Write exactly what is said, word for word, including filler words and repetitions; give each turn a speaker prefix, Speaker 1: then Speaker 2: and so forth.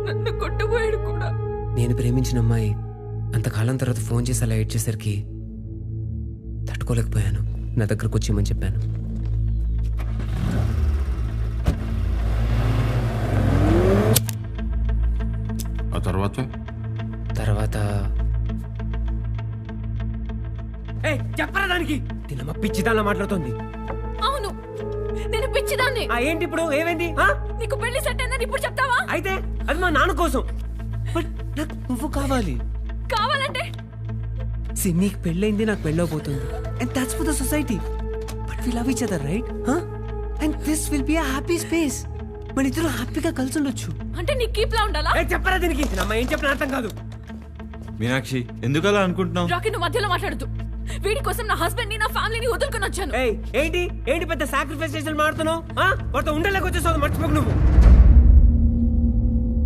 Speaker 1: నన్ను కొట్టుపోయాడు కూడా.
Speaker 2: నేను ప్రేమించిన అమ్మాయి అంతకాలం తర్వాత ఫోన్ చేసి అలా ఏడ్చేసరికి తట్టుకోలేకపోయాను. నా దగ్గరకు వచ్చేయమని చెప్పాను.
Speaker 3: ఆ తర్వాత
Speaker 2: తర్వాత చెప్పరా దానికి? తినమ్మ పిచ్చిదానిలా మాట్లాడుతుంది.
Speaker 1: అవును, నేను పిచ్చిదాన్ని.
Speaker 2: ఏంటి ఇప్పుడు ఏమైంది?
Speaker 1: నీకు పెళ్లి సెట్ అయిందని ఇప్పుడు చెప్తావా?
Speaker 2: అయితే అది మా నాన్న కోసం. బట్ నాకు నువ్వు కావాలి.
Speaker 1: కావాలంటే
Speaker 2: సి నీకు పెళ్ళైంది, నాకు పెళ్ళవబోతుంది. And that's for the society. But we love each other, right? And this will be a happy space. మన ఇద్దరు హ్యాపీగా కలిసి ఉండొచ్చు.
Speaker 1: అంటే నీకు కీప్లా ఉండాలా?
Speaker 2: చెప్పరా దీనికి? అమ్మ ఏం చెప్పిన అర్థం కాదు.
Speaker 4: మీనాక్షి ఎందుకు అలా అనుకుంటున్నావు?
Speaker 1: రాకీ, నువ్వు మధ్యలో మాట్లాడద్దు. వీడి కోసం నా హస్బెండ్ ని, నా ఫ్యామిలీని వదులుకొని వచ్చాను.
Speaker 2: ఏంటి ఏంటి పెద్ద సాక్రిఫైస్ చేసి మాడుతున్నావు? వాటితో ఉండలేక వచ్చేసావు, మర్చిపోకు నువ్వు.